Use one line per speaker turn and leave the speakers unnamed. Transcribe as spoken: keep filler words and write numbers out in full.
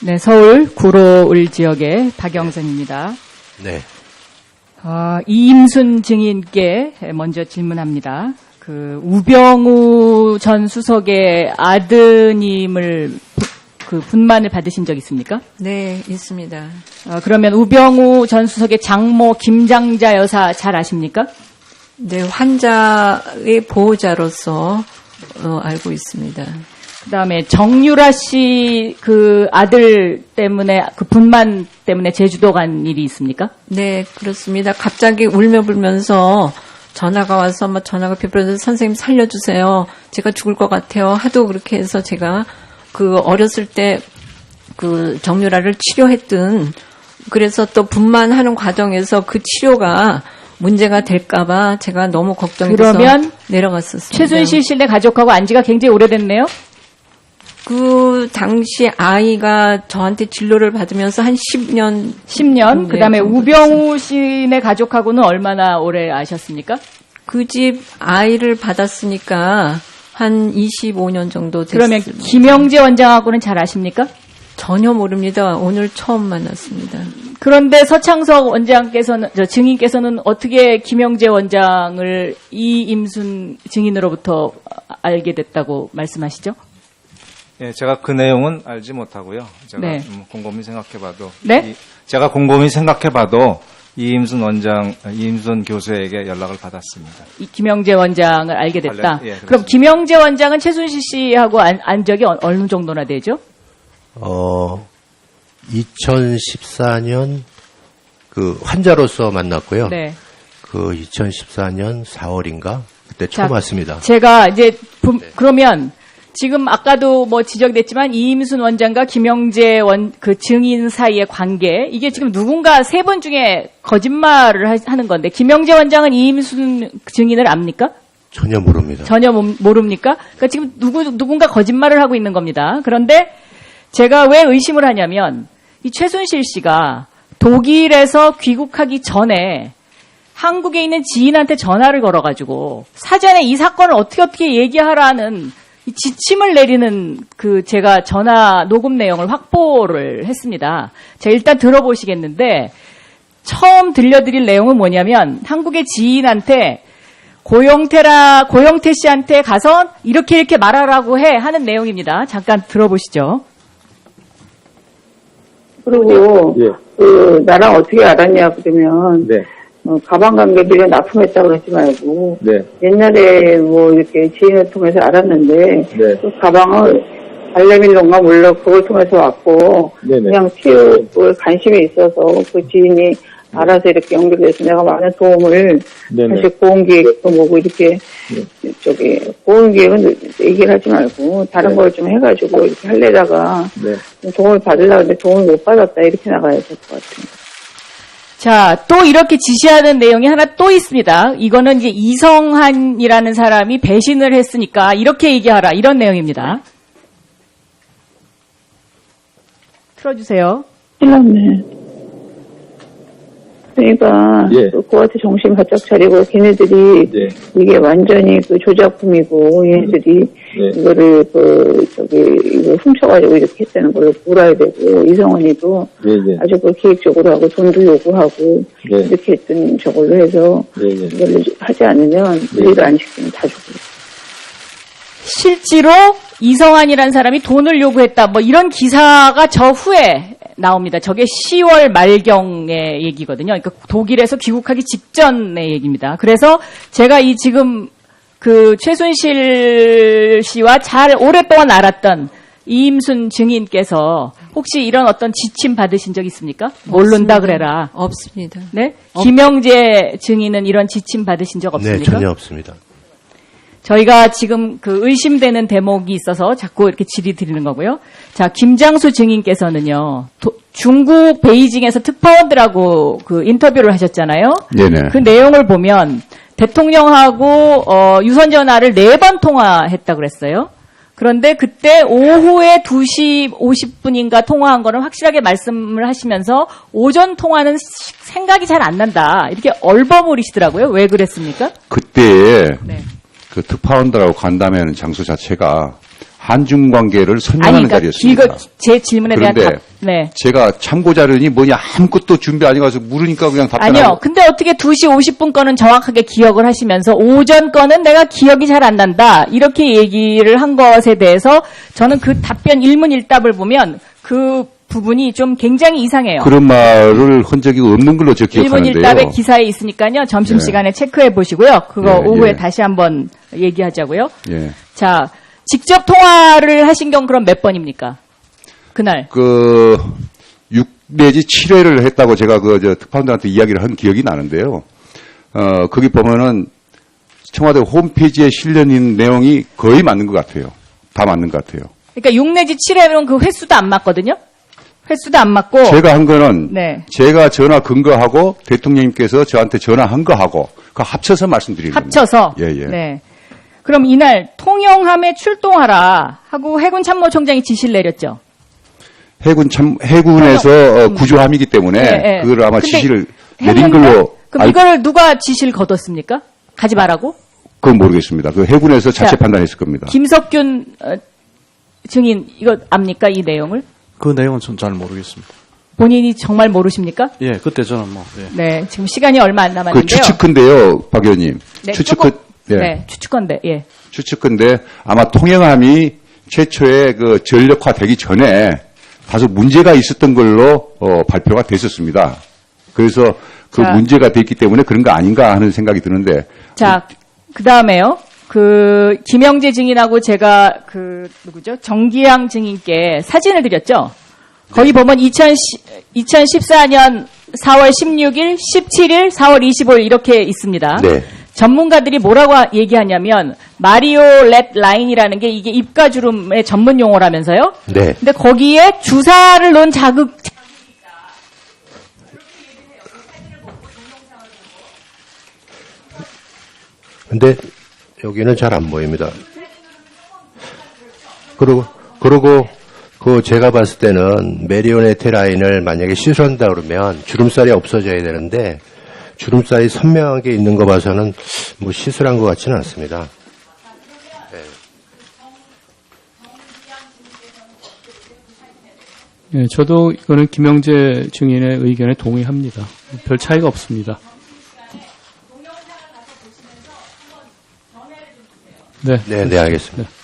네, 서울 구로을 지역의 박영선입니다.
네.
어, 이임순 증인께 먼저 질문합니다. 그 우병우 전 수석의 아드님을 그 분만을 받으신 적 있습니까?
네, 있습니다.
어, 그러면 우병우 전 수석의 장모 김장자 여사 잘 아십니까?
네, 환자의 보호자로서 어, 알고 있습니다.
그다음에 정유라 씨 그 아들 때문에 그 분만 때문에 제주도 간 일이 있습니까?
네, 그렇습니다. 갑자기 울며 불면서 전화가 와서 막 전화가 비벼서 선생님 살려주세요. 제가 죽을 것 같아요. 하도 그렇게 해서 제가 그 어렸을 때 그 정유라를 치료했던 그래서 또 분만하는 과정에서 그 치료가 문제가 될까봐 제가 너무 걱정이 돼서
그러면
내려갔었습니다.
최순실 씨네 가족하고 안 지가 굉장히 오래됐네요?
그 당시 아이가 저한테 진료를 받으면서 한 십 년.
십 년?
네,
그 다음에
정도
우병우 씨네 가족하고는 얼마나 오래 아셨습니까?
그 집 아이를 받았으니까 한 이십오 년 정도 됐습니다.
그러면 김영재 원장하고는 잘 아십니까?
전혀 모릅니다. 오늘 처음 만났습니다.
그런데 서창석 원장께서는, 저 증인께서는 어떻게 김영재 원장을 이임순 증인으로부터 알게 됐다고 말씀하시죠?
예, 제가 그 내용은 알지 못하고요. 제가
네.
음, 곰곰이 생각해봐도
네?
이, 제가 곰곰이 생각해봐도 이임순 원장, 이임순 교수에게 연락을 받았습니다.
이 김영재 원장을 알게 됐다.
관련- 예, 그렇습니다.
그럼 김영재 원장은 최순실 씨하고 안, 안 적이 어- 어느 정도나 되죠?
어, 이천십사 년 그 환자로서 만났고요.
네.
그 이천십사 년 사월인가 그때
자,
처음 왔습니다.
제가 이제 부- 그러면 지금 아까도 뭐 지적됐지만 이임순 원장과 김영재 원 그 증인 사이의 관계 이게 지금 누군가 세 분 중에 거짓말을 하, 하는 건데 김영재 원장은 이임순 증인을 압니까?
전혀 모릅니다.
전혀 모- 모릅니까? 그러니까 지금 누구 누군가 거짓말을 하고 있는 겁니다. 그런데 제가 왜 의심을 하냐면 이 최순실 씨가 독일에서 귀국하기 전에 한국에 있는 지인한테 전화를 걸어가지고 사전에 이 사건을 어떻게 어떻게 얘기하라는 이 지침을 내리는 그 제가 전화 녹음 내용을 확보를 했습니다. 제가 일단 들어보시겠는데 처음 들려드릴 내용은 뭐냐면 한국의 지인한테 고영태라 고영태 씨한테 가서 이렇게 이렇게 말하라고 해 하는 내용입니다. 잠깐 들어보시죠.
그리고
예.
그 나랑 어떻게 알았냐 그러면
네.
어, 가방 관계비를 납품했다 그러지 말고
네.
옛날에 뭐 이렇게 지인을 통해서 알았는데
네.
그 가방을 발레밀론가 몰라 그걸 통해서 왔고
네네.
그냥 체육을 관심이 있어서 그 지인이 알아서 이렇게 연결돼서 내가 많은 도움을
네네.
사실 보험기획도 뭐고 이렇게 저기 보험기획은 얘기를 하지 말고 다른
네.
걸 좀 해가지고 이렇게 하려다가
네.
도움을 받으려고 했는데 도움을 못 받았다 이렇게 나가야 될 것 같아요.
자, 또 이렇게 지시하는 내용이 하나 또 있습니다. 이거는 이제 이성한이라는 사람이 배신을 했으니까 이렇게 얘기하라 이런 내용입니다. 틀어주세요.
큰일 났네. 그러니까
예.
그 그한테 정신 바짝 차리고 걔네들이
네.
이게 완전히 그 조작품이고 얘네들이
네.
이거를 그 저기 이거 훔쳐가지고 이렇게 했다는 걸 몰아야 되고 이성원이도
네, 네.
아주 그 계획적으로 하고 돈도 요구하고
네.
이렇게 했던 저걸로 해서
네, 네.
이걸 하지 않으면 우리를 안 시키면 다 죽고.
실제로 이성한이라는 사람이 돈을 요구했다. 뭐 이런 기사가 저 후에 나옵니다. 저게 시월 말경의 얘기거든요. 그러니까 독일에서 귀국하기 직전의 얘기입니다. 그래서 제가 이 지금 그 최순실 씨와 잘 오랫동안 알았던 이임순 증인께서 혹시 이런 어떤 지침 받으신 적 있습니까? 모른다 그래라.
없습니다.
네? 김영재 증인은 이런 지침 받으신 적 없습니까?
네, 전혀 없습니다.
저희가 지금 그 의심되는 대목이 있어서 자꾸 이렇게 질의 드리는 거고요. 자, 김장수 증인께서는요, 도, 중국 베이징에서 특파원들하고 그 인터뷰를 하셨잖아요.
네네.
그 내용을 보면 대통령하고 어, 유선전화를 네 번 통화했다 그랬어요. 그런데 그때 오후에 두 시 오십 분인가 통화한 거는 확실하게 말씀을 하시면서 오전 통화는 생각이 잘 안 난다. 이렇게 얼버무리시더라고요. 왜 그랬습니까?
그때
네.
그 특파원들하고 간담회하는 장소 자체가
한중 관계를
아니,
설명하는
그러니까
자리였습니다.
이거 제 질문에 대한
그런데
답. 네.
제가 참고 자료니 뭐냐 아무것도 준비 안 해가서 물으니까 그냥 답변하고.
아니요. 근데 어떻게 두 시 오십 분 거는 정확하게 기억을 하시면서 오전 거는 내가 기억이 잘 안 난다. 이렇게 얘기를 한 것에 대해서 저는 그 답변 일문일답을 보면 그 부분이 좀 굉장히 이상해요.
그런 말을 한 적이 없는 걸로 저 기억하는데요.
일문일답의 기사에 있으니까요. 점심시간에
예.
체크해 보시고요. 그거
예,
오후에
예.
다시 한번 얘기하자고요.
예.
자, 직접 통화를 하신 경 그럼 몇 번입니까? 그날.
그 육 내지 칠 회를 했다고 제가 그 저 특파원들한테 이야기를 한 기억이 나는데요. 어 거기 보면은 청와대 홈페이지에 실려 있는 내용이 거의 맞는 것 같아요. 다 맞는 것 같아요.
그러니까 육 내지 칠 회면 그 횟수도 안 맞거든요. 횟수도 안 맞고.
제가 한 거는
네.
제가 전화 근거하고 대통령님께서 저한테 전화한 거하고 그 합쳐서 말씀드리는 겁니다.
합쳐서.
예, 예.
네. 그럼 이날 통영함에 출동하라 하고 해군 참모총장이 지시를 내렸죠.
해군 참 해군에서 어, 구조함이기 때문에
예, 예.
그걸 아마
근데
지시를 내린
했는데?
걸로
그럼
알,
이걸 누가 지시를 거뒀습니까? 가지 말라고?
그건 모르겠습니다. 그 해군에서 자체
자,
판단했을 겁니다.
김석균 어, 증인 이거 압니까 이 내용을?
그 내용은 전 잘 모르겠습니다.
본인이 정말 모르십니까?
예, 그때 저는 뭐, 예.
네, 지금 시간이 얼마 안
그
남았는데요.
추측컨대요, 박 의원님.
네,
추측컨,
조금-
예.
네, 추측건데, 예.
추측컨대 아마 통영함이 최초에 그 전력화되기 전에 다소 문제가 있었던 걸로 어, 발표가 됐었습니다. 그래서 그
자.
문제가 됐기 때문에 그런 거 아닌가 하는 생각이 드는데.
자, 그 다음에요. 그, 김영재 증인하고 제가 그, 누구죠? 정기양 증인께 사진을 드렸죠? 거기 보면 이천십사 년 사월 십육일, 십칠일, 사월 이십오일 이렇게 있습니다.
네.
전문가들이 뭐라고 하- 얘기하냐면, 마리오 렛 라인이라는 게 이게 입가주름의 전문 용어라면서요?
네.
근데 거기에 주사를 놓은 자극,
근데 여기는 잘 안 보입니다. 그리고, 그리고, 그 제가 봤을 때는 메리오네트 라인을 만약에 시술한다 그러면 주름살이 없어져야 되는데 주름살이 선명하게 있는 거 봐서는 뭐 시술한 것 같지는 않습니다.
예, 저도 이거는 김영재 증인의 의견에 동의합니다. 별 차이가 없습니다. 네.
네, 네, 알겠습니다.
네.